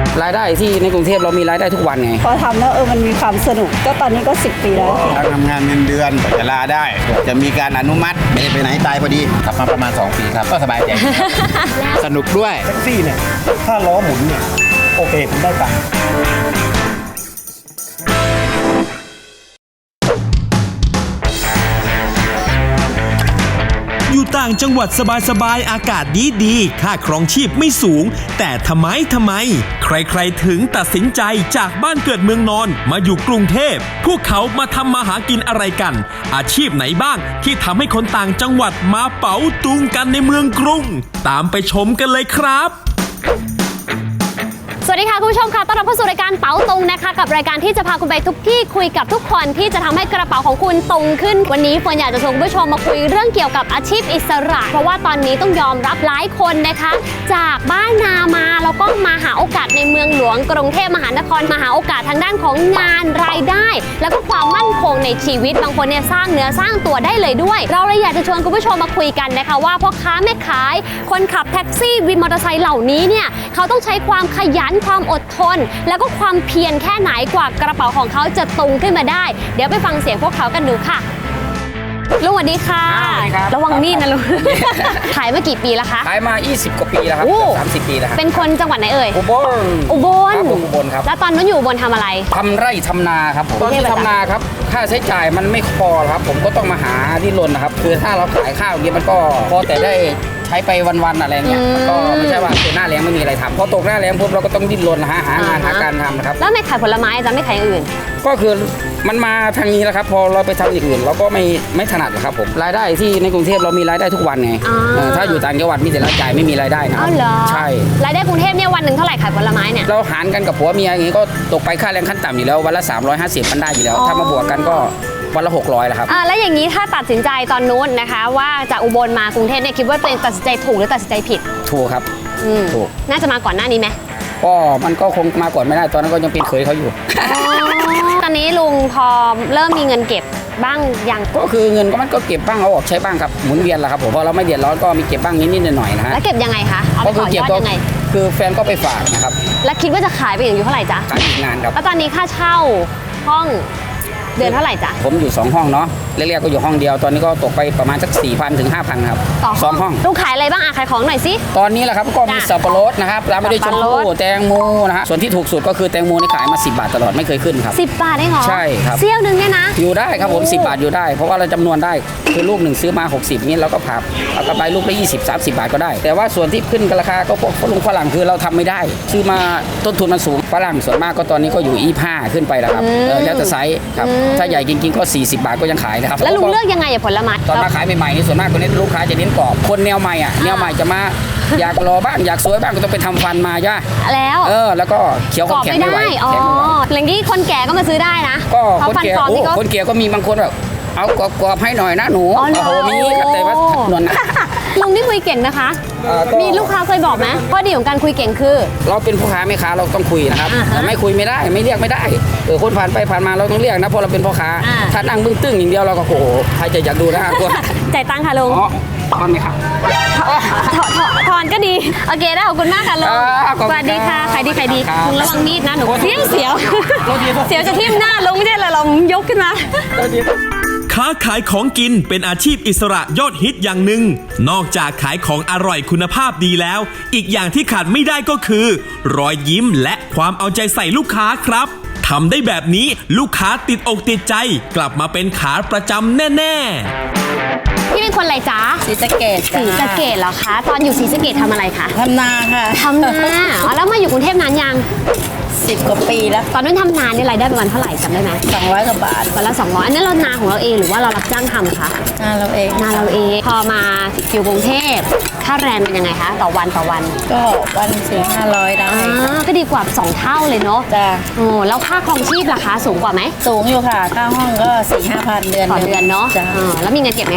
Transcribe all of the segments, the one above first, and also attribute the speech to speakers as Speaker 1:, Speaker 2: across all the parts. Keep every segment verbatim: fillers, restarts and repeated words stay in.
Speaker 1: รายได้ที่ในกรุงเทพเรามีรายได้ทุกวันไง
Speaker 2: พอทำแล้วเออมันมีความสนุกก็ตอนนี้ก็สิบปีแล้ว
Speaker 3: การทำงานเงินเดือนจะลาได้จะมีการอนุมัติไม่ได้ไปไหนตายพอดีขับมาประมาณสองปีครับก็สบายใจ สนุกด้วย
Speaker 4: แท็กซี่เนี่ยถ้าล้อหมุนเนี่ยโอเคผมได้ตังค์
Speaker 5: อยู่ต่างจังหวัดสบายๆอากาศดีๆค่าครองชีพไม่สูงแต่ทำไมทำไมใครๆถึงตัดสินใจจากบ้านเกิดเมืองนอนมาอยู่กรุงเทพพวกเขามาทำมาหากินอะไรกันอาชีพไหนบ้างที่ทำให้คนต่างจังหวัดมาเป๋าตุงกันในเมืองกรุงตามไปชมกันเลยครับ
Speaker 6: สวัสดีค่ะคุณผู้ชมค่ะต้อนรับเข้าสู่รายการเป๋าตุงนะคะกับรายการที่จะพาคุณไปทุกที่คุยกับทุกคนที่จะทำให้กระเป๋าของคุณตุงขึ้นวันนี้เฟิร์นอยากจะชวนคุณผู้ชมมาคุยเรื่องเกี่ยวกับอาชีพอิสระเพราะว่าตอนนี้ต้องยอมรับหลายคนนะคะจากบ้านนามาแล้วก็มาหาโอกาสในเมืองหลวงกรุงเทพมหานครมาหาโอกาสทางด้านของงานรายได้แล้วก็ความมั่นคงในชีวิตบางคนเนี่ยสร้างเนื้อสร้างตัวได้เลยด้วยเราเลยอยากจะชวนคุณผู้ชมมาคุยกันนะคะว่าพ่อค้าแม่ขายคนขับแท็กซี่วินมอเตอร์ไซค์เหล่านี้เนี่ยเขาต้องใช้ความขยันความอดทนแล้วก็ความเพียรแค่ไหนกว่ากระเป๋าของเขาจะตุงขึ้นมาได้เดี๋ยวไปฟังเสียงพวกเขากันดูค่ะลุงสวัสดีค่ะระวังมีดนะลุงขายมากี่ปีแล้วคะ
Speaker 1: ขายมายี่สิบกว่าปีแล้วครับสามสิบปีแล้วครับ
Speaker 6: เป็นคนจังหวัดไหนเอ่ย
Speaker 1: อุบล
Speaker 6: อุบล
Speaker 1: อุบลครับ
Speaker 6: แล้วตอนนั้นอยู่อุบลทำอะไร
Speaker 1: ทำไร่ทำนาครับผมตอนที่ทำนาครับค่าใช้จ่ายมันไม่พอครับผมก็ต้องมาหาดิ้นรนนะครับคือถ้าเราขายข้าวอย่างนี้มันก็พอแต่ได้ใช้ไปวันๆอะไรเงี้ยมันก็ไม่ใช่ว่าเป็นหน้าแล้งไม่มีอะไรทำพอตกหน้าแล้งปุ๊บเราก็ต้องดิ้นรนหาหางานหาการทำนะครับ
Speaker 6: แล้วไม่ขายผลไม้จะไม่ขายอย่างอื่น
Speaker 1: ก็คือมันมาทางนี้แล้วครับพอเราไปทำอย่างอื่นเราก็ไม่ไม่ถนัดครับผมรายได้ที่ในกรุงเทพเรามีรายได้ทุกวันไงถ้าอยู่ต่างจังหวัดมีแต่รายจ่ายไม่มีรายได้นะใช่
Speaker 6: รายได้กรุงเทพเนี่ยวันหนึ่งเท่าไหร่ขายผลไม้เนี่ย
Speaker 1: เราหารกันกับผัวเมียอย่างนี้ก็ตกไปค่าแรงขั้นต่ำอยู่แล้ววันละสามร้อยห้าสิบมันได้อยู่แล้วถ้ามาบวกกันก็วันละหกร้อยแล้วครับ
Speaker 6: อ่าแล้วอย่างนี้ถ้าตัดสินใจตอนนู้นนะคะว่าจากอุบลมากรุงเทพเนี่ยคิดว่าตัวเองตัดสินใจถูกหรือตัดสินใจผิด
Speaker 1: ถูกครับ
Speaker 6: ถูกน่าจะมาก่อนหน้านี้ไหม
Speaker 1: ก็มันก็คงมาก่อนไม่ได้ตอนนั้นก็ยังเป็นเคยเขาอยู่
Speaker 6: ตอนนี้ลุงพอเริ่มมีเงินเก็บบ้างยัง
Speaker 1: ก็คือเงินก็มันก็เก็บบ้างเอาออกใช้บ้างครับหมุนเวียนแหละครับผมพอเราไม่เดือดร้อนก็มีเก็บบ้างนิดๆหน่อยๆนะฮะ
Speaker 6: แล้วเก็บยังไงคะเอาไปต่อยอดยังไง
Speaker 1: คือแฟนก็ไปฝากนะครับ
Speaker 6: แล้วคิดว่าจะขายไปอยู่เท่าไหร่จ๊ะ
Speaker 1: ขายอีกนานครับ
Speaker 6: แล้วตอนนี้ค่าเช่าห้องเดือนเท่าไหร่จ๊ะ
Speaker 1: ผมอยู่สองห้องเนาะแรกๆก็อยู่ห้องเดียวตอนนี้ก็ตกไปประมาณสัก สี่พัน ถึง ห้าพัน ครับสองห้อง
Speaker 6: ลุงขายอะไรบ้างอ่ะขายของหน่อยสิ
Speaker 1: ตอนนี้แหละครับก็มีสับปะรดนะครับร้านไม่ได้ชมพู่แตงโมนะฮะส่วนที่ถูกสุดก็คือแตงโมนี่ขายมาสิบบาทตลอดไม่เคยขึ้นครับ
Speaker 6: สิบบาทได้เหรอ
Speaker 1: ใช่ครับ
Speaker 6: เซี่ยวนึงเนี่ยนะ
Speaker 1: อยู่ได้ครับผมสิบบาทอยู่ได้เพราะว่าเราจำนวนได้คือลูกหนึ่งซื้อมาหกสิบนี่เราก็ผับเอากระไปลูกละยี่สิบ สามสิบบาทก็ได้แต่ว่าส่วนที่ขึ้นราคาก็พวกฝรั่งฝรั่งคือเราทำไม่ได้ซื้อมาต้นทุนมันสูงฝรั่งส่วนมากก็ตอนนี้ก็อยู่ยี่สิบห้าขึ้นไปแล้วครับแล้วแต่ไซส์ครับถ้าใหญ่จริงๆก็สี่สิบบาทก็ยังขายนะครับ
Speaker 6: แล้วลุงเลือกยังไงอะผลไม้
Speaker 1: ตอนมาขายใหม่ๆนี่ส่วนมากคนนี้ลูกค้าจะเน้นกรอบคนแนวใหม่อ่ะแนวใหม่จะมาอยากรอบ้างอยากสวยบ้างก็ต้องไปทำฟันมาจ้ะ
Speaker 6: แล้ว
Speaker 1: เออแล้วก็เคี้ยวเขาแข็งไม่ไหว
Speaker 6: อ๋ออย่างนี้คนแก่ก็มาซื้อได้นะ
Speaker 1: ก็คนแก่โอ้คนแก่ก็มีบางคนแบบเอากรอบๆให้หน่อยนะหนูโอ้โหมีแต่ว่าหนวลนะ
Speaker 6: ลุงนี่คุยเก่งนะคะมีลูกค้าเคยบอกไหมข้อดีของการคุยเก่งคือ
Speaker 1: เราเป็นพ่อค้าแม่ค้าเราต้องคุยนะครับแต่ไม่คุยไม่ได้ไม่เรียกไม่ได้เออคนผ่านไปผ่านมาเราต้องเรียกนะเพราะเราเป็นพ่อค้าถ้านั่งบึ้งตึ้งอย่างเดียวเราก็โอ้โหใครจะอยากดูนะกลัว
Speaker 6: จ่ายตังค่ะลุง
Speaker 1: ทอนไหมครับ
Speaker 6: ทอนก็ดีโอเคได้ขอบคุณมากค่ะลุงสวัสดีค่ะใครดีใครดีลุงระวังมีดนะหนูเสียวเสียวเสียวจะทิ่มหน้าลุงไม่ใช่เลยเรายกขึ้นมา
Speaker 5: ค้าขายของกินเป็นอาชีพอิสระยอดฮิตอย่างหนึ่งนอกจากขายของอร่อยคุณภาพดีแล้วอีกอย่างที่ขาดไม่ได้ก็คือรอยยิ้มและความเอาใจใส่ลูกค้าครับทำได้แบบนี้ลูกค้าติดอกติดใจกลับมาเป็นขาประจำแน่
Speaker 6: ๆพี่เป็นคนอะไรจ๊ะ
Speaker 2: ศรีสะเกษ
Speaker 6: ศรีสะเกษเหรอคะตอนอยู่ศรีสะเกษทำอะไรคะ
Speaker 2: ทำนาค่ะ
Speaker 6: ทำนาแล้วมาอยู่กรุงเทพนานยัง
Speaker 2: สิบกว่าปีแล้ว
Speaker 6: ตอนนั้นทำนาเนี่ยรายได้ประมาณเท่าไหร่จำได้ไหม
Speaker 2: สองร้อยกว่าบาท
Speaker 6: วันละสองร้อยอันนั้นเรานาของเราเองหรือว่าเรารับจ้างทำคะ
Speaker 2: นาเราเอง
Speaker 6: นาเราเองพอมาอยู่กรุงเทพค่าแรงเป็นยังไงคะต่อวันต่อวัน
Speaker 2: ก็วันสี่ห้าร้อยได้
Speaker 6: ก็ดีกว่าสองเท่าเลยเนาะ
Speaker 2: จ้ะ
Speaker 6: โอ้แล้วค่าครองชีพราคาสูงกว่าไหม
Speaker 2: สูงอยู่ค่ะค่าห้องก็สี่ห้าพันเดือน
Speaker 6: ต่อเดือนเนาะ
Speaker 2: จ้ะ
Speaker 6: แล้วมีเงินเก็บไหมคะ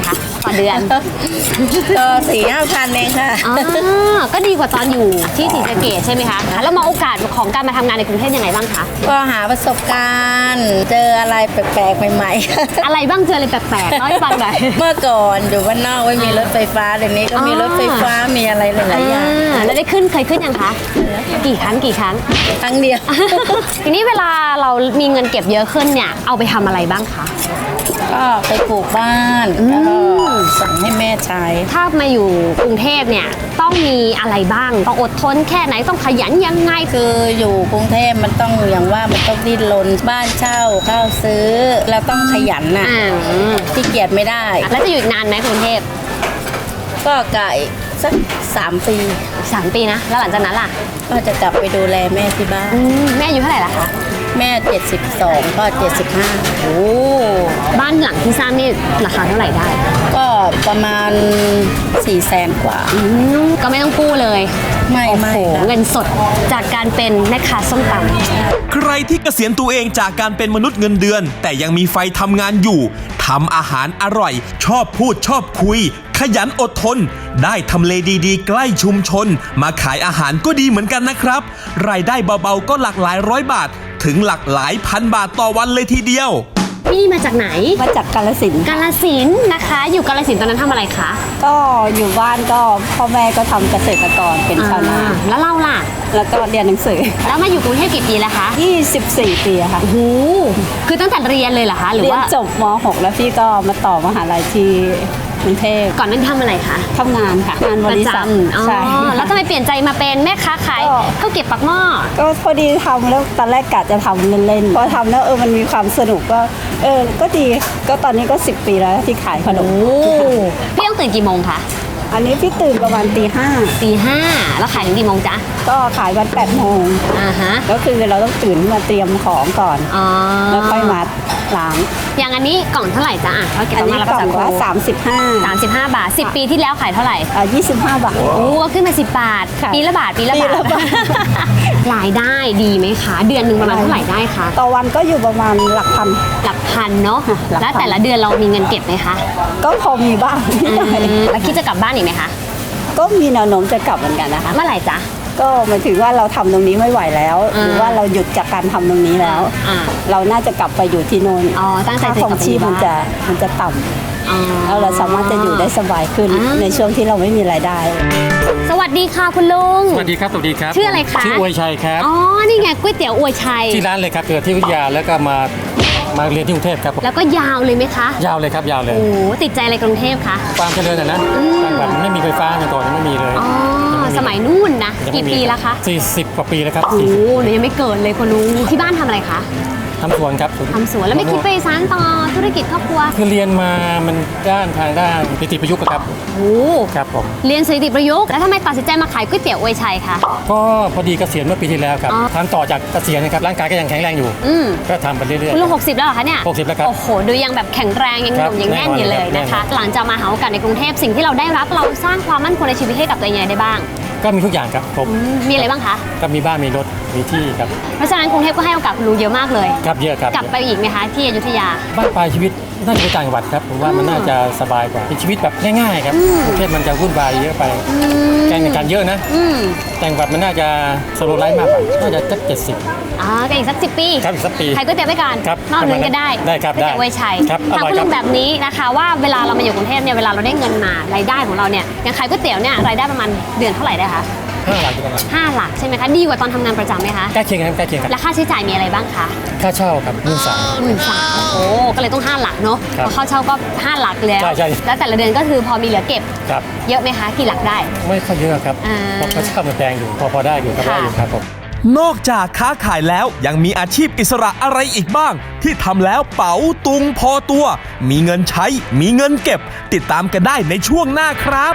Speaker 6: ต่อเดือน
Speaker 2: ก็สี่ห้าพันเองค่ะ
Speaker 6: อ๋อก็ดีกว่าตอนอยู่ที่ศรีสะเกษใช่ไหมคะแล้วมองโอกาสของการมาทำงานในกรุงเทพยังไงบ้างคะ
Speaker 2: ก็หาประสบการณ์ เจออะไรแปลกๆใหม่ๆ
Speaker 6: อะไรบ้างเจออะไรแปลกๆเล่าให้ฟังหน่อย
Speaker 2: เมื่อก่อนอยู่บ้านนอกไม่มีรถไฟฟ้าเดี๋ยวนี้ก็มี
Speaker 6: อ๋อ
Speaker 2: รถไฟฟ้ามีอะไรหลายๆอย่าง
Speaker 6: อ่าแล้วได้ขึ้นเคยขึ้นยังคะกี่ครั้งกี่ครั้ง
Speaker 2: ครั้งเดียว
Speaker 6: ทีนี้เวลาเรามีเงินเก็บเยอะขึ้นเนี่ยเอาไปทำอะไรบ้างคะ
Speaker 2: ก็ไปปลูกบ้านแล้วก็ส่งให้แม่ใช้
Speaker 6: ถ้ามาอยู่กรุงเทพเนี่ยต้องมีอะไรบ้างต้องอดทนแค่ไหนต้องขยันยังไง
Speaker 2: คืออยู่กรุงเทพมันต้องอย่างว่ามันต้องดิ้นรนบ้านเช่าข้าวซื้อแล้วต้องขยันน่ะ
Speaker 6: อ่า
Speaker 2: ที่เกียจไม่ได้
Speaker 6: แล้วจะอยู่อีกนานไหมกรุงเทพ
Speaker 2: ก็ไก่สักสามปี
Speaker 6: สามปีนะแล้วหลังจากนั้นล่ะ
Speaker 2: ก็จะกลับไปดูแลแม่ที่บ้าน
Speaker 6: อืมแม่อายุเท่าไหร่ละคะ
Speaker 2: แม่เจ็ดสิบสองก็เจ็ดสิบห้า
Speaker 6: โอ้บ้านหลังที่สร้างนี่ราคาเท่าไหร่ได้
Speaker 2: ก็ประมาณสี่แสนกว่า
Speaker 6: อืมก็ไม่ต้องกู้เลย
Speaker 2: ไม่
Speaker 6: โอ้
Speaker 2: ไม่
Speaker 6: โห
Speaker 2: ค่ะ
Speaker 6: เงินสดจากการเป็นแม่ค้าส้มตำ
Speaker 5: ใครที่เกษียณตัวเองจากการเป็นมนุษย์เงินเดือน แต่ยังมีไฟทำงานอยู่ทำอาหารอร่อย ชอบพูดชอบคุย ขยันอดทน ได้ทำเลดีๆ ใกล้ชุมชน มาขายอาหารก็ดีเหมือนกันนะครับ รายได้เบาๆก็หลักหลายร้อยบาท ถึงหลักหลายพันบาทต่อวันเลยทีเดียว
Speaker 6: พี่มาจากไหน
Speaker 7: มาจากกาฬสินธุ์
Speaker 6: กาลสินธุ์นะคะ อยู่กาลสินธุ์ตอนนั้นทำอะไรคะ
Speaker 7: ก็อยู่บ้านก็พ่อแม่ก็ทำเกษตรกรเป็นชาวนา
Speaker 6: อ่าแล้วเราล่ะ
Speaker 7: แล้วก็เรียนหนังสือ
Speaker 6: แล้วมาอยู่กรุงเทพกี่ปีแล้วคะ
Speaker 7: ยี่สิบสี่ ปีอะค่ะ
Speaker 6: โอ้โหคือตั้งแต่เรียนเลยเหรอคะหรือ
Speaker 7: เรียน
Speaker 6: ว่า
Speaker 7: จบม หก แล้วพี่ก็มาต่อมหาลัยที่กรุงเทพ
Speaker 6: ก่อนนั้นทำอะไรคะ
Speaker 7: ทำงานค่ะ งานบ
Speaker 6: ประ
Speaker 7: ริษัท
Speaker 6: จำอ๋อ
Speaker 7: ใช่
Speaker 6: แล้วทำไมเปลี่ยนใจมาเป็นแม่ค้าขาย
Speaker 7: ก็
Speaker 6: ข้าวเก็บปักหม้อ
Speaker 7: ก็พอดีทำแล้วตอนแรกกะจะทำเล่นๆพอทำแล้วเออมันมีความสนุกก็เออก็ดีก็ตอนนี้ก็สิบปีแล้วที่ขายขนม
Speaker 6: พี่ต้องตื่นกี่โมงคะ
Speaker 7: อันนี้พี่ตื่นประมาณตีห้า
Speaker 6: ตีห้าแล้วขายถึงกี่โมงจ๊ะ
Speaker 7: ก็ขายวันแปดโมง
Speaker 6: อ่าฮะ
Speaker 7: ก็คือเราต้องตื่นมาเตรียมของก่อน
Speaker 6: อ๋อ
Speaker 7: แล้วค่อยมาล้าง
Speaker 6: อย่างอันนี้กล่องเท่าไหร่จ๊ะอ่ะข้าวเก็บ
Speaker 7: อัน
Speaker 6: ปักห
Speaker 7: นี้
Speaker 6: ม้อแล้ว
Speaker 7: ก
Speaker 6: ก็
Speaker 7: ล่อง
Speaker 6: สา
Speaker 7: ละ
Speaker 6: คู
Speaker 7: สามสิบห้า
Speaker 6: สามสิบห้าบาทสิบปีที่แล้วขายเท่าไหร่
Speaker 7: อ่ายี่สิบห้าบาท
Speaker 6: โอ้ขึ้นมาสิบบาท
Speaker 7: ค่ะ
Speaker 6: ปีละบาท ปีละ
Speaker 7: ปี
Speaker 6: บาท
Speaker 7: ละบาท
Speaker 6: รายได้ดีไหมคะ เดือนหนึ่งประมาณเท่าไหร่ได้คะ
Speaker 7: ต่อวันก็อยู่ประมาณหลักพัน
Speaker 6: หลักพันเนาะ
Speaker 7: หลักพัน
Speaker 6: แล้วแต่ละเดือนเรามีเงินเก็บไหมคะ
Speaker 7: ก็พอมีบ้างนิดหน่อย
Speaker 6: อืมแล้วคิดจะกลับบ้านอีกไหมคะ
Speaker 7: ก็มีแนวโน้มจะกลับเหมือนกันนะคะ
Speaker 6: เมื่อไหร่จ๊ะ
Speaker 7: ก็หมายถึงว่าเราทำตรงนี้ไม่ไหวแล้ว
Speaker 6: อ่า
Speaker 7: หรือว่าเราหยุดจากการทำตรงนี้แล้ว
Speaker 6: อ่า
Speaker 7: เราน่าจะกลับไปอยู่ที่โน่น
Speaker 6: อ๋อตั้งใจ
Speaker 7: ค่า
Speaker 6: จะ
Speaker 7: ข
Speaker 6: ก
Speaker 7: อ
Speaker 6: ลั
Speaker 7: ง
Speaker 6: บไป
Speaker 7: ชีพ
Speaker 6: อยู่
Speaker 7: มันจะ
Speaker 6: บ้าน
Speaker 7: มันจะต่
Speaker 6: อ๋อ
Speaker 7: ำแล้วเราสามารถจะอยู่ได้สบายขึ้น
Speaker 6: อ่า
Speaker 7: ในช่วงที่เราไม่มีรายได้
Speaker 6: สวัสดีค่ะคุณลุง
Speaker 8: สวัสดีครับ สวัสดีครับ
Speaker 6: ชื่ออะไรคะ
Speaker 8: ชื่ออวยชัยครับ
Speaker 6: อ๋อ นี่ไงก๋วยเตี๋ยวอวยชัย
Speaker 8: ที่ร้านเลยครับเกิดที่วิทยาแล้วก็มามาเรียนที่กรุงเทพครับ
Speaker 6: แล้วก็ยาวเลยไหมคะ
Speaker 8: ยาวเลยครับยาวเลย
Speaker 6: โอ้ติดใจอะไรกรุงเทพคะ
Speaker 8: ความเจริญนะนะต่างจังหวัดมันไม่มีไฟฟ้าเมื่อก่อนยังไม่มีเลย
Speaker 6: อ๋อ
Speaker 8: งไ
Speaker 6: สมัยนู่นนะ
Speaker 8: ยัง
Speaker 6: กี่
Speaker 8: ไม่มี
Speaker 6: ปีแล้วคะ
Speaker 8: สี่สิบกว่าปีแล้วครับ
Speaker 6: โอ้โหหนูยังไม่เกิดเลยคุณลุง ที่บ้านทำอะไรคะ
Speaker 8: ทำสวนครับ
Speaker 6: ทำสวนแล้วไม่คิดไปสานต่อธุรกิจครอบครัว
Speaker 8: คือเรียนมามันด้านทางด้านนิติประยุกต์อะครับ
Speaker 6: โอ้
Speaker 8: ครับผม
Speaker 6: เรียนสถิติประยุกต์แล้วทำไมตัดสินใจมาขายก๋วยเตี๋ยวอวยชัยคะ
Speaker 8: ก็พอดีเกษียณเมื่อปีที่แล้วครับ
Speaker 6: อ๋อ
Speaker 8: ทำต่อจากเกษียณนะครับร่างกายก็ยังแข็งแรงอยู่
Speaker 6: อืม
Speaker 8: ก็ทำไปเรื่อย
Speaker 6: คุณลุงหกสิบแล้วเหรอคะเนี่ย
Speaker 8: หกสิบแล้วครับ
Speaker 6: โอ้โห ดูยังแบบแข็งแรงยังห
Speaker 8: ครับ
Speaker 6: นุ่มยังแน่นอยู่เลย
Speaker 8: แน่นอน
Speaker 6: นะคะ
Speaker 8: แน่นอน
Speaker 6: หลังจากมาหาโอกาสในกรุงเทพสิ่งที่เราได้รับเราสร้างความมั่นคงในชีวิตให้กับตัวเองยังไงได้บ้าง
Speaker 8: ก็มีทุกอย่างครับครบ
Speaker 6: อืมมีอะไรบ้างคะ
Speaker 8: ก็มีบ้านมีรถมีที่ครับ
Speaker 6: เพราะฉะนั้นกรุงเทพก็ให้โอกาสคุณลุงเยอะมากเลย
Speaker 8: ครับเยอะครับ
Speaker 6: กลับไปอีกไหมคะที่อยุธยา
Speaker 8: บ้านปลายชีวิตน่าจะไปต่างจังหวัดครับผมว่ามันน่าจะสบายกว่าเป็นชีวิตแบบง่ายๆครับกรุงเทพมันจะวุ่นวายเยอะไปการแข่งขันเยอะนะ
Speaker 6: อืม
Speaker 8: ต่างจังหวัดมันน่าจะสโลว์ไลฟ์มากกว่าน่าจะสักเจ็ดสิบ
Speaker 6: อ่าก็อีกสักสิบปี
Speaker 8: ครับอีกสักปี
Speaker 6: ขายก๋วยเตี๋ยวไปก่อน
Speaker 8: ครับ
Speaker 6: นอกนั้นก็ได้
Speaker 8: ได้ครับ
Speaker 6: ก๋วยเตี๋ยว
Speaker 8: ได้
Speaker 6: ไวยชัย
Speaker 8: ครับ
Speaker 6: ถาม
Speaker 8: อร่อย
Speaker 6: คุณ
Speaker 8: ครั
Speaker 6: ลุ
Speaker 8: บ
Speaker 6: งแบบนี้นะคะว่าเวลาเรามาอยู่กรุงเทพเนี่ยเวลาเราได้เงินมารายได้ของเราเนี่ยอย่างขายก๋วยเตี๋ยวเนี่ยรายได้ประมาณเดือนเท่าไหร่ได้คะ
Speaker 8: ห้าหลักประมาณ
Speaker 6: ห้าหลักใช่ไหมคะดีกว่าตอนทำงานประจำไหมคะ
Speaker 8: ใกล้เคียงกันครับใกล้เคียงกัน
Speaker 6: และค่าใช้จ่ายมีอะไรบ้างคะ
Speaker 8: ค่าเช่าครับหมื่นสาม
Speaker 6: หมื่นสามโอ้ก็เลยต้องห้าหลักเนาะ
Speaker 8: ครับ
Speaker 6: พอเข้าเช่าก็ห้าหลักแล้ว
Speaker 8: ใช่ใช่
Speaker 6: แล้วแต่ละเดือนก็คือพอมีเหลือเก็บ
Speaker 8: ครับ
Speaker 6: เยอะไหมคะกี่หลักได้
Speaker 8: ไม่ค่อยเยอะครับ
Speaker 6: อ่า
Speaker 8: เพราะค่าเช่ามันแพงอยู่พอพอได้อยู่ก็ได้อยู่ครับผม
Speaker 5: นอกจากค้าขายแล้วยังมีอาชีพอิสระอะไรอีกบ้าง ที่ทำแล้วเป๋าตุงพอตัว มีเงินใช้ มีเงินเก็บ ติดตามกันได้ในช่วงหน้าครับ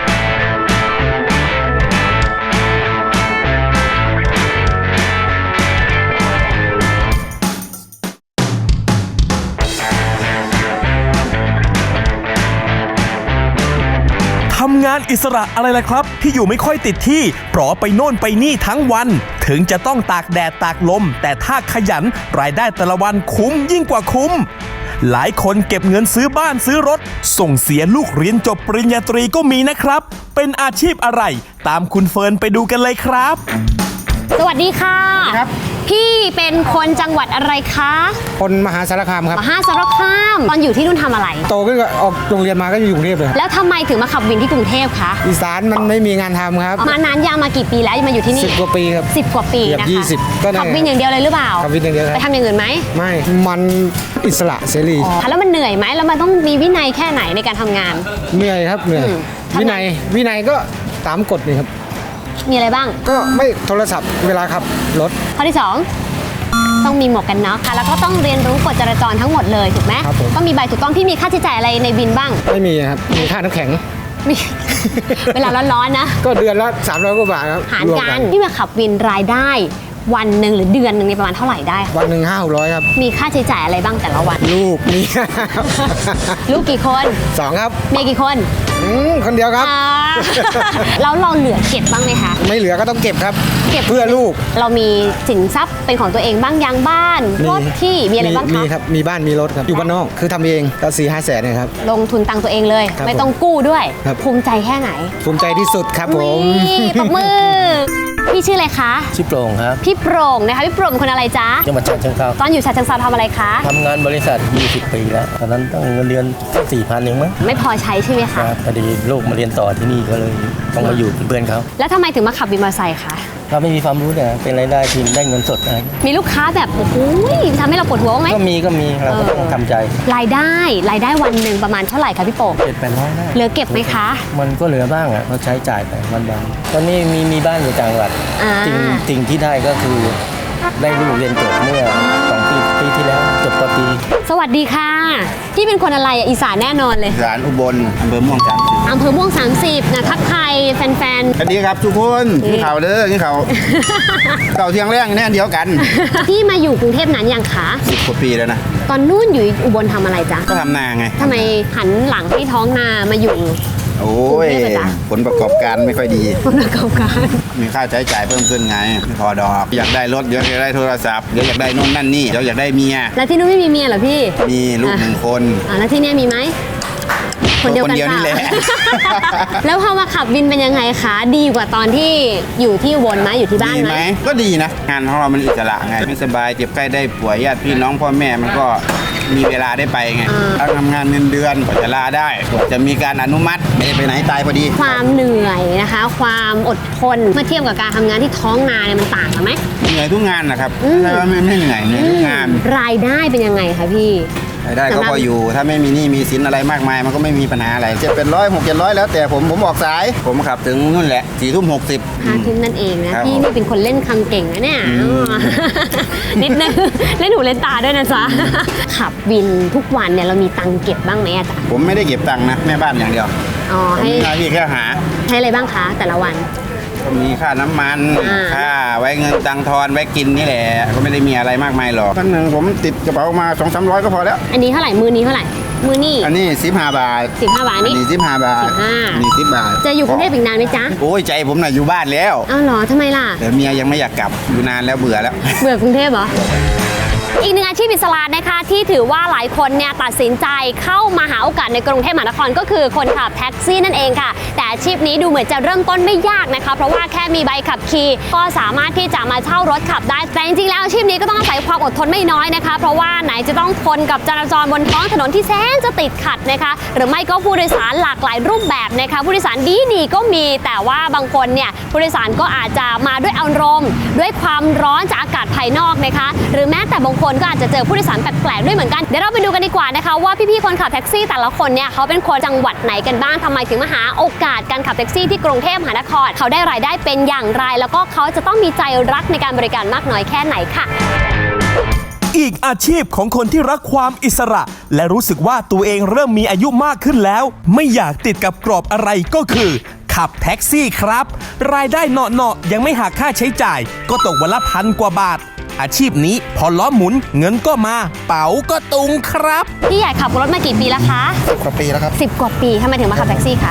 Speaker 5: ทำงานอิสระอะไรล่ะครับ ที่อยู่ไม่ค่อยติดที่ปลอไปโน่นไปนี่ทั้งวัน ถึงจะต้องตากแดดตากลม แต่ถ้าขยันรายได้แต่ละวันคุ้มยิ่งกว่าคุ้มหลายคนเก็บเงินซื้อบ้านซื้อรถ ส่งเสียลูกเรียนจบปริญญาตรีก็มีนะครับ เป็นอาชีพอะไร ตามคุณเฟิร์นไปดูกันเลยครับ
Speaker 6: สวัสดีค่ะ
Speaker 9: ครับ
Speaker 6: พี่เป็นคนจังหวัดอะไรคะ
Speaker 9: คนมหาสารคามครับ
Speaker 6: มหาสารคามตอนอยู่ที่นู่นทำอะไร
Speaker 9: โตขึ้นก็ออกโรงเรียนมาก็อยู่กรุงเทพเลยครับ
Speaker 6: แล้วทำไมถึงมาขับวินที่กรุงเทพคะ
Speaker 9: อีสานมันไม่มีงานทำครับ
Speaker 6: มานานยังมากี่ปีแล้วมาอยู่ที่นี่
Speaker 9: สิบกว่าปีครับ
Speaker 6: สิบกว่าปี
Speaker 9: เกือบ
Speaker 6: นะคะ
Speaker 9: ยี่สิบก็ได้
Speaker 6: ขับวินอย่างเดียวเลยหรือเปล่า
Speaker 9: ขับวินอย่างเดียวครับ
Speaker 6: ไปทำอย่างอื่นไหม
Speaker 9: ไม่มันอิสระเสรี
Speaker 6: อ๋อแล้วมันเหนื่อยไหมแล้วมันต้องมีวินัยแค่ไหนในการทำงาน
Speaker 9: เหนื่อยครับเหนื่อย
Speaker 6: อืมทำไม
Speaker 9: วินัยวินัยก็ตามกฎนี่ครับ
Speaker 6: มีอะไรบ้าง
Speaker 9: ก็ไม่โทรศัพท์เวลาขับรถ
Speaker 6: ข้อที่สองต้องมีหมวกกันน็อกค่ะแล้วก็ต้องเรียนรู้กฎจราจรทั้งหมดเลยถูกไหม
Speaker 9: ครับผม
Speaker 6: ต้องมีใบถูกต้องพี่มีค่าใช้จ่ายอะไรในบินบ้าง
Speaker 9: ไม่มีครับมีค่าน้ำแข็ง
Speaker 6: มี เวลาร้อนๆนะ
Speaker 9: ก็เดือนละสามร้อยกว่าบาทครับ
Speaker 6: หาร
Speaker 9: วม
Speaker 6: กันที่มาขับวินรายได้วันหนึ่งหรือเดือนหนึ่งเนี่ยประมาณเท่าไหร่ได้คะ
Speaker 9: วันหนึ่งห้าร้อยครับ
Speaker 6: มีค่าใช้จ่ายอะไรบ้างแต่ละวัน
Speaker 9: ลูกมี
Speaker 6: ลูกกี่คน
Speaker 9: สองครับ
Speaker 6: เมียกี่คน
Speaker 9: อืมคนเดียวครับ
Speaker 6: อ่า แล้วเราเหลือเก็บบ้างไหมคะ
Speaker 9: ไม่เหลือก็ต้องเก็บครับ
Speaker 6: เก็บ
Speaker 9: เพื่อลูก
Speaker 6: เรามีสินทรัพย์เป็นของตัวเองบ้างยังบ้านรถที่มีอะไรบ้าง
Speaker 9: มี
Speaker 6: คะ
Speaker 9: ครับมีบ้านมีรถครับอยู่บ้านนอกคือทำเองก็สี่ห้าแสนนะครับ
Speaker 6: ลงทุนตังค์ตัวเองเลย
Speaker 9: ครับ
Speaker 6: ไม่ต้องกู้ด้วย
Speaker 9: ครับ
Speaker 6: ภูมิใจแค่ไหน
Speaker 9: ภูมิใจที่สุดครับผม
Speaker 6: นี่ปรบมือ พี่ชื่ออะไรคะ
Speaker 10: ชื่อโปร่งครับ
Speaker 6: พี่โปร่งนะคะพี่โปร่งเป็นคนอะไรจ๊ะ
Speaker 10: จังหวัดฉะเชิงเทรา
Speaker 6: ตอนอยู่ฉะเชิงเทราทำอะไรคะ
Speaker 10: ทำงานบริษัทยี่สิบปีแล้วตอนนั้นต้องเงินเดือนสี่พันเองมั้ง
Speaker 6: ไม่พอใช้ใช่ไหม
Speaker 10: ค
Speaker 6: คะ
Speaker 10: รับพอดีลูกมาเรียนต่อที่นี่ก็เลยต้องมาอยู่เป็นเพื่อนเขา
Speaker 6: แล้วทำไมถึงมาขับวินมอเตอร์ไซค์คะ
Speaker 10: เราไม่มีความรู้เนี่ยเป็นรายได้ทีมได้เงินสดอะไร
Speaker 6: มีลูกค้าแบบโอ้โหทำให้เราปวดหัวบ้างไหม
Speaker 10: ก็มีก็มีเราก็ต้องทำใจ
Speaker 6: รายได้รายได้วันหนึ่งประมาณเท่าไหร่คะพี่โป่ง
Speaker 10: เจ็ดแปดร้อยได้
Speaker 6: เหลือเก็บไหมคะ
Speaker 10: มันก็เหลือบ้างอ่ะเราใช้จ่ายไปวันวันๆตอนนี้มีมีบ้านอยู่ต่างจังหวัด
Speaker 6: อ่า
Speaker 10: สิ่งสิ่งที่ได้ก็คือได้ลูกเรียนจบเมื่อสองปีปีที่แล้วจบปตรี
Speaker 6: สวัสดีค่ะพี่เป็นคนอะไรอ่ะอีสานแน่นอนเลย
Speaker 3: สารอุบลอำเภอม่วงสามสิบ
Speaker 6: อำเภอม่วง สามสิบนะทักทายแฟน
Speaker 3: สวัสดีครับทุกคนกินข่าวเด้อกินข่าว เก่าเที่ยงแรงแน่เดียวกัน
Speaker 6: ๆ พี่มาอยู่กรุงเทพนานยังคะ
Speaker 3: สิบกว่าปีแล้วนะ
Speaker 6: ตอนนู่นอยู่อุบลทำอะไรจ๊ะ
Speaker 3: ก็ทำนาไง
Speaker 6: ทำไมหันหลังให้ท้องนามาอยู่
Speaker 3: โอ้ย
Speaker 6: กรุงเทพอะจ๊ะ
Speaker 3: ผลประกอบการไม่ค่อยดี
Speaker 6: ผลประกอบการ
Speaker 3: มีค่าใช้จ่ายเพิ่มขึ้นไงไม่พอดอก อยากได้รถเดี๋ยวอยากได้โทรศัพท์เดี๋ยวอยากได้นู่นนั่นนี่เดี๋ยวอยากได้เมีย
Speaker 6: แล้วที่นู่นไม่มีเมียเหรอพี่
Speaker 3: มีลูกหนึ่งคน
Speaker 6: อ่าแล้วที่เนี่ยมีไหมคนเดียวกัน
Speaker 3: คนเดียวนี่แหละ
Speaker 6: เปล่า แล้วพอมาขับวินเป็นยังไงคะดีกว่าตอนที่อยู่ที่อุบลไหมอยู่ที่บ้าน
Speaker 3: ดี
Speaker 6: ไห
Speaker 3: ไห
Speaker 6: ม
Speaker 3: มก็ดีนะ งานของเรามันอิสระไงไม่สบายเจ็บไข้ได้ป่วยญาติพี่น้องพ่อแม่มันก็มีเวลาได้ไปไงเราทำงานเงินเดือนกว่าจะลาได้กว่าจะมีการอนุมัติไม่ได้ไปไหนตายพอดี
Speaker 6: ความเหนื่อยนะคะ ความอดทนเมื่อเทียบกับการทำงานที่ท้องนาเนี่ยมันต่างกันไหม
Speaker 3: เหนื่อยทุกงานนะครับ
Speaker 6: อืม
Speaker 3: ไม่ใช่ว่าไม่ไม่เหนื่อยเหนื่อยทุกงาน
Speaker 6: รายได้เป็นยังไงคะพี่
Speaker 3: รายได้ก็พออยู่ ถ้าไม่มีหนี้มีสินอะไรมากมาย มันก็ไม่มีปัญหาอะไรเจ็ดเป็นร้อยหกเจ็ดร้อยแล้วแต่ผมผมออกสาย ผมขับถึงนู่นแหละสี่ทุ่มหกสิบ
Speaker 6: ห้าทุ่มนั่นเองนะครับ พี่
Speaker 3: ผม
Speaker 6: นี่เป็นคนเล่นคำเก่งนะเนี่ย
Speaker 3: อืม
Speaker 6: อ๋อ นิดนึง เล่นหูเล่นตาด้วยนะจ๊ะ ขับวินทุกวันเนี่ยเรามีตังค์เก็บบ้างไหมอะจ๊ะ
Speaker 3: ผมไม่ได้เก็บตังค์นะแม่บ้านอย่างเดียว
Speaker 6: อ๋อ
Speaker 3: ผม
Speaker 6: ให้
Speaker 3: มีหน้าที่แค่หา
Speaker 6: ให้อะไรบ้างคะแต่ละวัน
Speaker 3: ก็มีค่าน้ำมัน
Speaker 6: อ่า
Speaker 3: ค่าไว้เงินตังค์ทอนไว้กินนี่แหละก็ไม่ได้มีอะไรมากมายหรอกครั้งหนึ่งผมติดกระเป๋ามาสองสามร้อยก็พอแล้ว
Speaker 6: อันนี้เท่าไหร่มือนี้เท่าไหร่มือนี่
Speaker 3: อันนี้สิบห้าบาท
Speaker 6: สิบห้าบาท
Speaker 3: อัน
Speaker 6: นี่
Speaker 3: นี้สิบห้าบาท
Speaker 6: สิบห้า
Speaker 3: อันนี้สิบบาท
Speaker 6: จะอยู่กรุงเทพอีกนานไหมจ๊ะ
Speaker 3: โอ้ยใจผมน่ะอยู่บ้านแล้ว
Speaker 6: อ้าวเหรอทำไมล่ะ
Speaker 3: แต่เมียยังไม่อยากกลับอยู่นานแล้วเบื่อแล้ว
Speaker 6: เบื่อกรุงเทพเหรอ อีกหนึ่งอาชีพอิสระนะคะที่ถือว่าหลายคนเนี่ยตัดสินใจเข้ามาหาโอกาสในกรุงเทพมหานครก็คือคนขับแท็กซี่นั่นเองค่ะ แต่อาชีพนี้ดูเหมือนจะเริ่มต้นไม่ยากนะคะเพราะว่าแค่มีใบขับขี่ก็สามารถที่จะมาเช่ารถขับได้แต่จริงๆแล้วอาชีพนี้ก็ต้องอาศัยความอดทนไม่น้อยนะคะ เพราะว่าไหนจะต้องทนกับจราจรบนท้องถนนที่แสนจะติดขัดนะคะหรือไม่ก็ผู้โดยสารหลากหลายรูปแบบนะคะผู้โดยสารดีดีๆก็มีแต่ว่าบางคนเนี่ยผู้โดยสารก็อาจจะมาด้วยอารมณ์ด้วยความร้อนจากอากาศภายนอกนะคะหรือแม้แต่บางคนก็อาจจะเจอผู้โดยสารแปลกๆด้วยเหมือนกันเดี๋ยวเราไปดูกันดีกว่านะคะว่าพี่ๆคนขับแท็กซี่แต่ละคนเนี่ยเขาเป็นคนจังหวัดไหนกันบ้างทำไมถึงมาหาโอกาสการขับแท็กซี่ที่กรุงเทพมหานครเขาได้รายได้เป็นอย่างไร แล้วก็เขาจะต้องมีใจรักในการบริการมากน้อยแค่ไหนค่ะ
Speaker 5: อีกอาชีพของคนที่รักความอิสระ และรู้สึกว่าตัวเองเริ่มมีอายุมากขึ้นแล้ว ไม่อยากติดกับกรอบอะไรก็คือ ขับแท็กซี่ครับ รายได้เนาะๆยังไม่หักค่าใช้จ่าย ก็ตกวันละพันกว่าบาท อาชีพนี้พอล้อหมุนเงินก็มา เป๋าก็ตุงครับ
Speaker 6: พี่ใหญ่ขับรถมากี่ปีแล้วคะ
Speaker 9: สิบกว่าปีแล้วครับ
Speaker 6: สิบกว่าปีทำไมถึงมาขับแท็กซี่คะ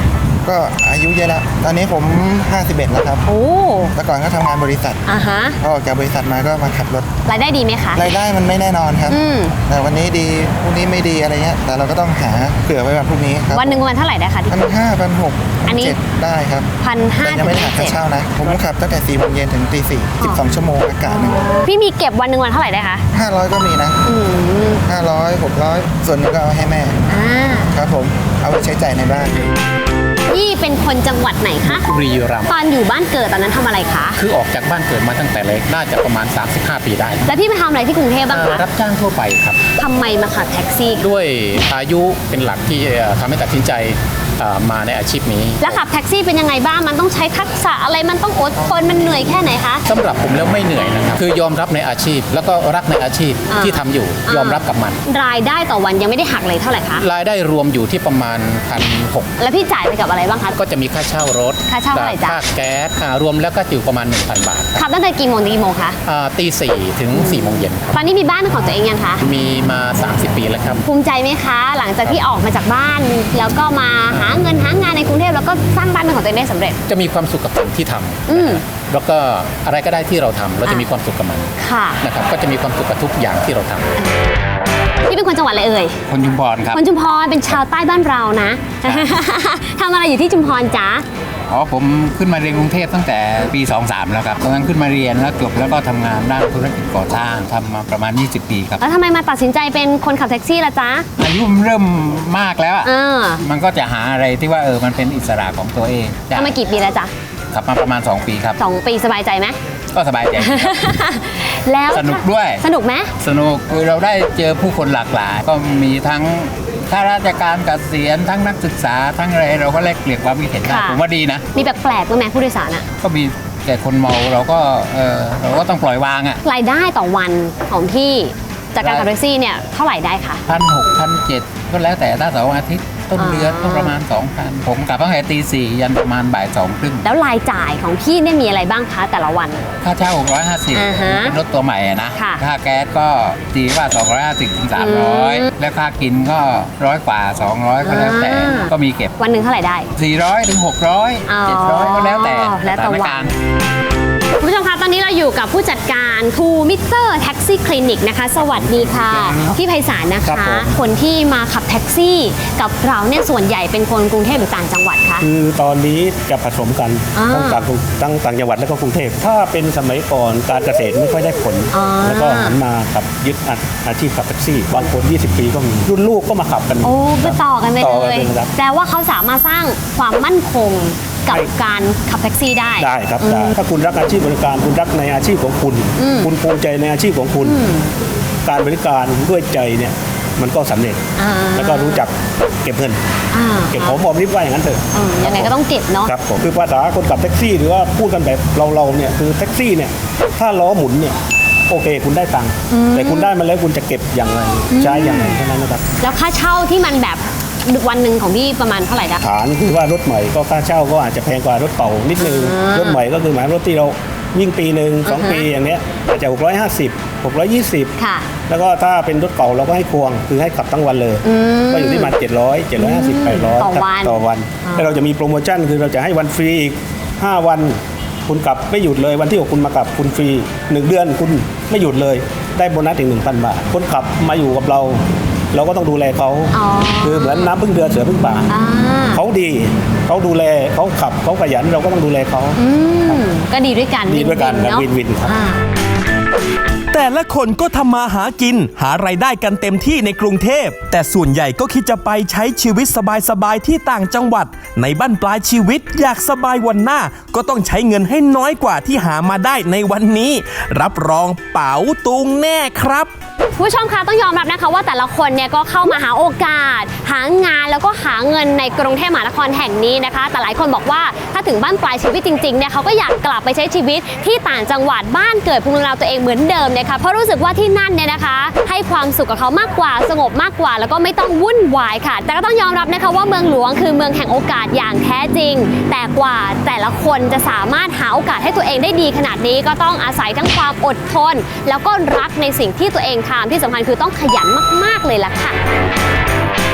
Speaker 9: ก็อายุเยอะแล้วตอนนี้ผมห้าสิบเอ็ดแล้วครับ
Speaker 6: โอ้
Speaker 9: แต่ก่อนก็ทำงานบริษัท
Speaker 6: อ่าฮะ
Speaker 9: พอออกจากบริษัทมาก็มาขับรถ
Speaker 6: รายได้ดีไหมคะ
Speaker 9: รายได้มันไม่แน่นอนครับ
Speaker 6: อืม
Speaker 9: แต่วันนี้ดีพรุ่งนี้ไม่ดีอะไรเงี้ยแต่เราก็ต้องหาเผื่อไว้วันพรุ่งนี้ครับ
Speaker 6: วันหนึ่งวันเท่าไหร่ได้คะที่
Speaker 9: พันห้าพันหก
Speaker 6: อันนี้
Speaker 9: เจ็ดได้ครับ
Speaker 6: พันห้า
Speaker 9: แต่ยังไม่ได้หักค่าเช่านะผมขับตั้งแต่สี่โมงเย็นถึงตีสี่สิบสองชั่วโมงอากาศหนึ่ง
Speaker 6: พี่มีเก็บวันหนึ่งวันเท่าไหร่ได้คะ
Speaker 9: ห้าร้อยก็มีนะ
Speaker 6: อืม
Speaker 9: ห้าร้อยหกร้อยส่วนหนึงก็เอาให้แม่
Speaker 6: อ่า
Speaker 9: ครับผมเอาไปใช้จ่ายในบ้าน
Speaker 6: พี่เป็นคนจังหวัดไหนคะ
Speaker 10: บุรีรัมย์
Speaker 6: ตอนอยู่บ้านเกิดตอนนั้นทำอะไรคะ
Speaker 10: คือออกจากบ้านเกิดมาตั้งแต่เล็กน่าจะประมาณ สามสิบห้า ปีได้
Speaker 6: แล้วพี่ไปทำอะไรที่กรุงเทพบ้าง
Speaker 10: เอ่อ
Speaker 6: คะ
Speaker 10: รับจ้างทั่วไปครับ
Speaker 6: ทำไมมาขับแท็กซี่
Speaker 10: ด้วยอายุเป็นหลักที่เอ่อทำให้ตัดสินใจเอ่อมาในอาชีพนี้
Speaker 6: แล้วขับแท็กซี่เป็นยังไงบ้าง มันต้องใช้ทักษะอะไรมันต้องอดทนมันเหนื่อยแค่ไหนคะ
Speaker 10: สำหรับผมแล้วไม่เหนื่อยนะครับ คือยอมรับในอาชีพ แล้วก็รักในอาชีพ
Speaker 6: อ่า
Speaker 10: ที่ทำอยู่
Speaker 6: อ่าย
Speaker 10: ยอมรับกับมัน
Speaker 6: รายได้ต่อวันยังไม่ได้หักเลยเท่าไหร่คะ
Speaker 10: รายได้รวมอยู่ที่ประมาณพันหก
Speaker 6: แล้วพี่จ่ายไปกับอะไรบ้างคะ
Speaker 10: ก็จะมีค่าเช่ารถ
Speaker 6: ค่าเช่าเท่าไหร่จ๊ะ
Speaker 10: ค่าแก๊สอ่ารวมแล้วก็อยู่ประมาณ หนึ่งพัน บาท
Speaker 6: ขับตั้งแต่กี่โมงถึงกี่โมงคะ
Speaker 10: อ่าตีสี่ถึงสี่โมงเย็นครับ
Speaker 6: ตอนนี้มีบ้านเป็นของตัวเองยังคะ
Speaker 10: มีมา สามสิบ ปีแล้วครับ
Speaker 6: ภูมิใจไหมคะ หลังจากที่ออกมาจากบ้าน แล้วก็มาหาเงินหางานในกรุงเทพแล้วก็สร้างบ้านเป็นของตัวเองได้สำเร็จ
Speaker 10: จะมีความสุขกับสิ่งที่ทำ
Speaker 6: อืม
Speaker 10: แล้วก็อะไรก็ได้ที่เราทำเราจะ
Speaker 6: อ่ะ
Speaker 10: มีความสุขกับมัน
Speaker 6: ค่ะ
Speaker 10: นะครับก็จะมีความสุขกับทุกอย่างที่เราทำ
Speaker 6: พี่เป็นคนจังหวัดอะไรเอ่ย
Speaker 3: คนชุมพรครับ
Speaker 6: คนชุมพรเป็นชาวใต้บ้านเรานะ ทำอะไรอยู่ที่ชุมพรจ๊ะ
Speaker 3: อ๋อผมขึ้นมาเรียนกรุงเทพตั้งแต่ปีสองสามแล้วครับตอนนั้นขึ้นมาเรียนแล้วจบแล้วก็ทำงานด้านธุรกิจก่อสร้างทำมาประมาณยี่สิบปีครับ
Speaker 6: แล้วทำไมมาตัดสินใจเป็นคนขับแท็กซี่ล่ะจ๊ะ
Speaker 3: อายุมันเริ่มมากแล้วอะ
Speaker 6: เออ
Speaker 3: มันก็จะหาอะไรที่ว่าเออมันเป็นอิสระของตัวเองได้
Speaker 6: ทำมากี่ปีแล้วจ๊ะ
Speaker 3: ขับมาประมาณสองปีครับ
Speaker 6: สองปีสบายใจไหม
Speaker 3: ก็สบายใจ
Speaker 6: แล้ว
Speaker 3: สนุกด้วย
Speaker 6: สนุกไหม
Speaker 3: สนุกคือเราได้เจอผู้คนหลากหลาย ก็มีทั้งข้าราชการเกษียณทั้งนักศึกษาทั้งอะไรเราก็แลกเปลี่ยนความคิดเห็นได้
Speaker 6: ค่ะ
Speaker 3: ผมว่าดีนะ
Speaker 6: มีแปลกๆบ้างไหมผู้โดยสารอะ
Speaker 3: ก็มีแต่คนเมาเราก็เออเราก็ต้องปล่อยวางอ่ะ
Speaker 6: รายได้ต่อวันของพี่จากการขับแท็กซี่เนี่ยเท่าไหร่ได้คะ
Speaker 3: พันหกพันเจ็ดก็แล้วแต่ถ้าเสาร์อาทิตย์ต้นเดือนก็ประมาณสองพันผมกลับตั้งแต่ตีสี่ยันประมาณบ่ายสองครึ่ง
Speaker 6: แล้วรายจ่ายของพี่เนี่ยมีอะไรบ้างคะแต่ละวัน
Speaker 3: ค่าเช่าหกร้อยห้าสิบ
Speaker 6: อ่าฮะ
Speaker 3: เป็นรถตัวใหม่อะนะ
Speaker 6: ค่ะ
Speaker 3: ค่าแก๊สก็ตีว่าสองร้อยห้าสิบถึงสามร้อย
Speaker 6: อืม
Speaker 3: แล้วค่ากินก็ร้อยกว่าสองร้อยก็แล้วแต่
Speaker 6: อ่า
Speaker 3: ก็มีเก็บ
Speaker 6: วันหนึ่งเท่าไหร่ได้
Speaker 3: สี่ร้อยถึงหกร้อย
Speaker 6: อ๋อ
Speaker 3: เจ็ดร้อยก็แล้วแต่
Speaker 6: แล้วแต่
Speaker 3: สถาน
Speaker 6: วัน
Speaker 3: การณ์
Speaker 6: คุณผู้ชมคะตอนนี้เราอยู่กับผู้จัดการทูมิเตอร์แท็กซี่คลินิกนะคะ สวัสดีค่ะ พี่ไพศาลนะ
Speaker 4: ครั
Speaker 6: คะ
Speaker 4: บผม
Speaker 6: คนที่มาขับแท็กซี่กับเราเนี่ยส่วนใหญ่เป็นคนกรุงเทพหรือต่างจังหวัดคะ
Speaker 4: คือตอนนี้จะผสมกัน
Speaker 6: อ่า
Speaker 4: ทั้งต่างทั้งต่างจังหวัดและก็กรุงเทพถ้าเป็นสมัยก่อนการเกษตรไม่ค่อยได้ผล
Speaker 6: อ่า
Speaker 4: แล้วก็หันมาขับยึดอาชีพขับแท็กซี่บางคนยี่สิบปีก็มีรุ่นลูกก็มาขับกัน
Speaker 6: โอ้ก็ต่อกันไป
Speaker 4: ต่อ
Speaker 6: เล
Speaker 4: กัน
Speaker 6: ย
Speaker 4: เลยครับ
Speaker 6: แปลว่าเขาสามารถสร้างความมั่นคงกับ
Speaker 4: ใช่
Speaker 6: การขับแท็กซี่ได้
Speaker 4: ได้ครับได้ถ้าคุณรักอาชีพบริการคุณรักในอาชีพของคุณ
Speaker 6: อืม
Speaker 4: คุณภูมิใจในอาชีพของคุณ การบริการด้วยใจเนี่ยมันก็สำเร็จ
Speaker 6: อ่า
Speaker 4: แล้วก็รู้จักเก็บเงิน
Speaker 6: อ่า
Speaker 4: เก็บหอมรอมริบว่าอย่างนั้นเถอะ
Speaker 6: อืมยังไงก็ต้องเก็บเนาะ
Speaker 4: ครับผมคือภาษาคนขับแท็กซี่หรือว่าพูดกันแบบเราเราๆเนี่ยคือแท็กซี่เนี่ยถ้าล้อหมุนเนี่ยโอเคคุณได้ตังค์แต่คุณได้มาแล้วคุณจะเก็บอย่างไรใช้อย่างไรเท่านั้นนะครับ
Speaker 6: แล้วค่าเช่าที่มันแบบวันหนึ่งของพี่ประมาณเท่าไหร่คะ
Speaker 4: ฐานคือว่ารถใหม่ก็ค่าเช่าก็อาจจะแพงกว่ารถเก่านิดนึง
Speaker 6: อ่าร
Speaker 4: ถใหม่ก็คือหมายรถที่เราวิ่งปีหนึ่งสอง
Speaker 6: อ่าฮะ
Speaker 4: ปีอย่างเนี้ยอาจจะหกร้อยห้าสิบ หกร้อยยี่สิบ
Speaker 6: ค่ะ
Speaker 4: แล้วก็ถ้าเป็นรถเก่าเราก็ให้ควงคือให้ขับทั้งวันเลย
Speaker 6: อืม
Speaker 4: ก็อยู่ที่ประมาณเจ็ดร้อย เจ็ดร้อยห้าสิบ แปดร้อย
Speaker 6: ต่อวัน
Speaker 4: ต่อวัน
Speaker 6: อ่า
Speaker 4: แล้วเราจะมีโปรโมชั่นคือเราจะให้วันฟรีอีกห้าวันคุณกลับไม่หยุดเลยวันที่หกคุณมากลับคุณฟรีหนึ่งเดือนคุณไม่หยุดเลยได้โบนัสถึงหนึ่งพันบาทคนขับมาอยู่กับเรา เราก็ต้องดูแลเขา
Speaker 6: อ๋อ
Speaker 4: คือเหมือนน้ำพึ่งเดือเสือพึ่งป่า
Speaker 6: อ่า
Speaker 4: เขาดีเขาดูแลเขาขับเขาขยันเราก็ต้องดูแลเขา
Speaker 6: อืมก็ดีด้วยกัน
Speaker 4: ดีด้วยกัน
Speaker 6: ๆ
Speaker 4: ครับ
Speaker 6: เนาะ
Speaker 4: วินวินครับ
Speaker 6: อ่า
Speaker 5: แต่ละคนก็ทำมาหากิน หารายได้กันเต็มที่ในกรุงเทพ แต่ส่วนใหญ่ก็คิดจะไปใช้ชีวิตสบายๆที่ต่างจังหวัด ในบั้นปลายชีวิตอยากสบายวันหน้า ก็ต้องใช้เงินให้น้อยกว่าที่หามาได้ในวันนี้ รับรองเป๋าตุงแน่ครับ
Speaker 6: ผู้ชมคะต้องยอมรับนะคะว่าแต่ละคนเนี่ยก็เข้ามาหาโอกาส หางานแล้วก็หาเงินในกรุงเทพมหานครแห่งนี้นะคะ แต่หลายคนบอกว่าถ้าถึงบ้านปลายชีวิตจริงๆเนี่ยเขาก็อยากกลับไปใช้ชีวิตที่ต่างจังหวัดบ้านเกิดภูมิลำเนาตัวเองเหมือนเดิมนะคะเพราะรู้สึกว่าที่นั่นเนี่ยนะคะ ให้ความสุขกับเขามากกว่าสงบมากกว่า แล้วก็ไม่ต้องวุ่นวายค่ะ แต่ก็ต้องยอมรับนะคะว่าเมืองหลวงคือเมืองแห่งโอกาสอย่างแท้จริง แต่กว่าแต่ละคนจะสามารถหาโอกาสให้ตัวเองได้ดีขนาดนี้ก็ต้องอาศัยทั้งความอดทน แล้วก็รักในสิ่งที่ตัวเองทำที่สำคัญคือต้องขยันมากๆเลยล่ะค่ะ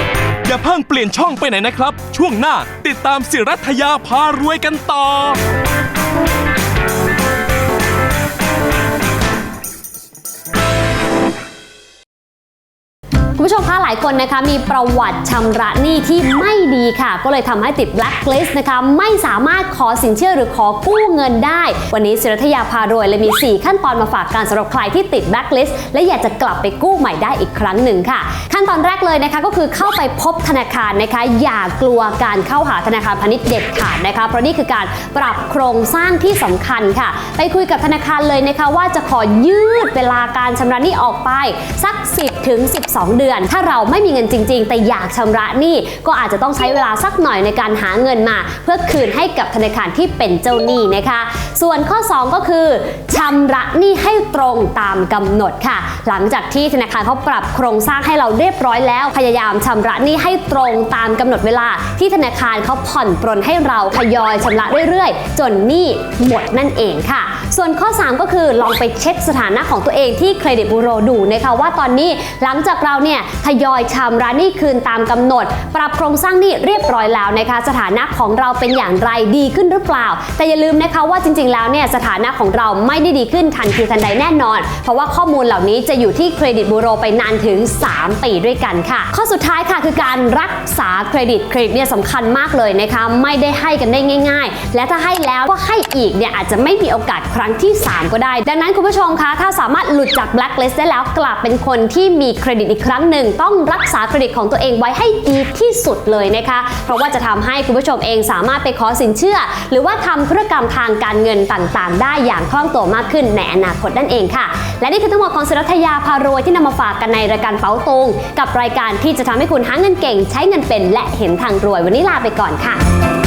Speaker 5: อย่าเพิ่งเปลี่ยนช่องไปไหนนะครับ ช่วงหน้าติดตามศิรัทยาพารวยกันต่อ
Speaker 6: คุณผู้ชมคะหลายคนนะคะมีประวัติชำระหนี้ที่ไม่ดีค่ะก็เลยทำให้ติดแบล็คลิสต์นะคะไม่สามารถขอสินเชื่อหรือขอกู้เงินได้วันนี้ศิรัทยาพารวยเลยมีสี่ขั้นตอนมาฝากกันสำหรับใครที่ติดแบล็คลิสต์และอยากจะกลับไปกู้ใหม่ได้อีกครั้งหนึ่งค่ะขั้นตอนแรกเลยนะคะก็คือเข้าไปพบธนาคารนะคะอย่ากลัวการเข้าหาธนาคารพาณิชย์เด็ดขาดนะคะเพราะนี่คือการปรับโครงสร้างที่สำคัญค่ะไปคุยกับธนาคารเลยนะคะว่าจะขอยืดเวลาการชำระหนี้ออกไปสักสิบถึงสิบสองเดือนถ้าเราไม่มีเงินจริงๆแต่อยากชำระหนี้ก็อาจจะต้องใช้เวลาสักหน่อยในการหาเงินมาเพื่อคืนให้กับธนาคารที่เป็นเจ้าหนี้นะคะส่วนข้อสองก็คือชำระหนี้ให้ตรงตามกำหนดค่ะหลังจากที่ธนาคารเขาปรับโครงสร้างให้เราเรียบร้อยแล้วพยายามชำระหนี้ให้ตรงตามกำหนดเวลาที่ธนาคารเขาผ่อนปรนให้เราทยอยชำระเรื่อยๆจนหนี้หมดนั่นเองค่ะส่วนข้อสามก็คือลองไปเช็คสถานะของตัวเองที่เครดิตบูโรดูนะคะว่าตอนนี้หลังจากเราเนี่ยทยอยชำระหนี้คืนตามกำหนดปรับโครงสร้างหนี้เรียบร้อยแล้วนะคะสถานะของเราเป็นอย่างไรดีขึ้นหรือเปล่าแต่อย่าลืมนะคะว่าจริงๆแล้วเนี่ยสถานะของเราไม่ได้ดีขึ้นทันทีทันใดแน่นอนเพราะว่าข้อมูลเหล่านี้จะอยู่ที่เครดิตบูโรไปนานถึงสามปีด้วยกันค่ะข้อสุดท้ายค่ะคือการรักษาเครดิตเครดิตเนี่ยสำคัญมากเลยนะคะไม่ได้ให้กันได้ง่ายๆและถ้าให้แล้วก็ให้อีกเนี่ยอาจจะไม่มีโอกาสครั้งที่สามก็ได้ดังนั้นคุณผู้ชมคะถ้าสามารถหลุดจากแบล็คลิสต์ได้แล้วกลับเป็นคนที่มีเครดิตอีกครั้งหนึ่งต้องรักษาเครดิตของตัวเองไว้ให้ดีที่สุดเลยนะคะเพราะว่าจะทำให้คุณผู้ชมเองสามารถไปขอสินเชื่อหรือว่าทำธุรกรรมทางการเงินต่างๆได้อย่างคล่องตัวมากขึ้นในอนาคตนั่นเองค่ะและนี่คือทั้งหมดของศิรัทยาพารวยที่นำมาฝากกันในรายการเป๋าตุงกับรายการที่จะทำให้คุณหาเงินเก่งใช้เงินเป็นและเห็นทางรวยวันนี้ลาไปก่อนค่ะ